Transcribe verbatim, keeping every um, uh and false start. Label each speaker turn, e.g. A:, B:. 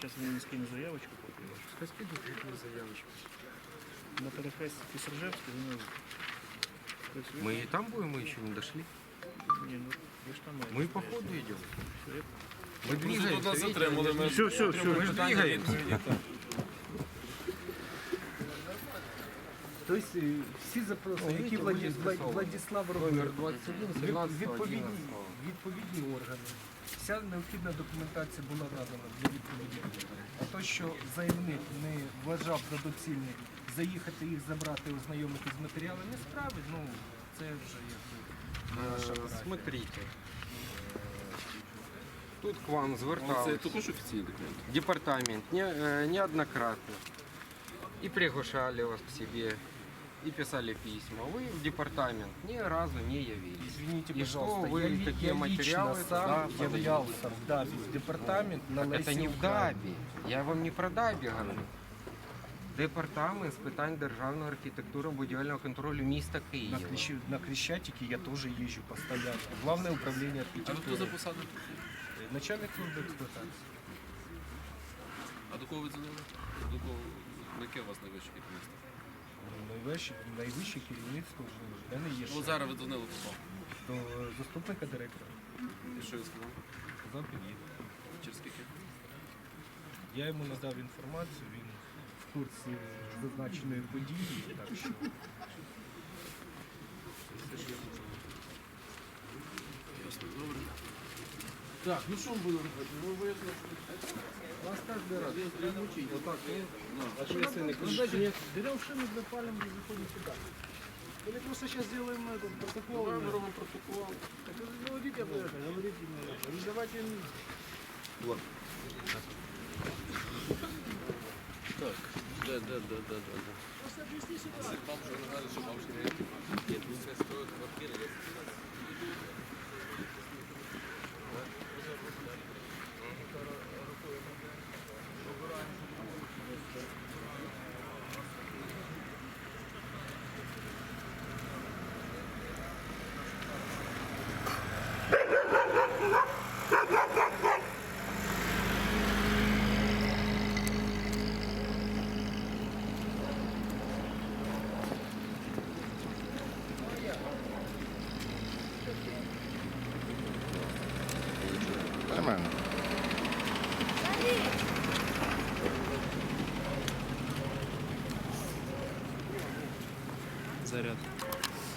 A: Сейчас він скину заявочку поки вашу.
B: Хай скидуть їхню заявочку.
A: На перехресті Пісержевського, вони працюють.
B: Мы и там будем, мы еще не дошли.
A: Ні, ну, ви ж там маєте
B: Мы по
A: стояти.
B: ходу идем.
A: Все, я-
B: Мы двигаемся.
C: нас
B: видите,
C: затримали, ми-
A: Все, все, все.
B: Мы же двигаемся.
D: Тобто е, всі запроси,
B: О,
D: які
B: видите,
D: Владі-
B: виїзд
D: Вла-
B: Лисова.
D: Владислав
B: Номер
D: робив,
B: двадцать один,
D: від-
B: семнадцать,
D: відповідні,
B: одиннадцать.
D: відповідні органи. Вся необхідна документація була надана для відповідних органів. А то, що заявник не вважав за доцільне заїхати їх забрати, ознайомити з матеріалами справи, ну це вже якби наша
B: Э,
D: праця.
B: Смотрите. Тут к вам
C: Це
B: звертався
C: також офіційний документ.
B: департамент не, э, неоднократно. И приглашали вас к себе, и писали письма. Вы в департамент ни разу не явились.
D: Извините,
B: И
D: пожалуйста,
B: что вы
D: я, ли-
B: такие
D: я
B: материалы
D: лично сам
B: туда
D: являлся в ДАБИ, в департамент на
B: Так
D: Лесі
B: это не в
D: Українки.
B: ДАБі. Я вам не про ДАБі говорю. Департамент з питань державної архітектури будівельного контролю міста
D: На,
B: Києва.
D: Крещ- на Крещатике я тоже езжу постоянно. Главное управление
C: А ви хто
D: архитектуры.
C: за посаду?
D: Начальник службы эксплуатации.
C: А до кого ви дзвонили? До кого? На яке у вас найвище керівництво?
D: Найвище, найвище керівництво в мене є
C: Ну,
D: ще
C: зараз ви дзвонили до кого?
D: до заступника директора.
C: І що він сказав?
D: Сказав, під'їде.
C: Через скільки?
D: Я йому надав інформацію, він в курсі зазначеної події, так що
C: Ясно, добре. Так, ну що ми будемо робити? Ну, вияснили, що...
D: вас кожен раз
C: мучить. Отак, ну,
E: Берем шины, запалим и заходим сюда. Или просто сейчас сделаем этот протокол.
C: ми робимо протокол.
E: Так вы говорите об этом, говорите мне. Не давайте им.
C: Так, да, да, да, да, да.
E: Просто объясни ситуацию.
C: Бабушка не знає, що бабушка не є. Тут все стоїть квартири.
F: Нормально.
A: Заряд.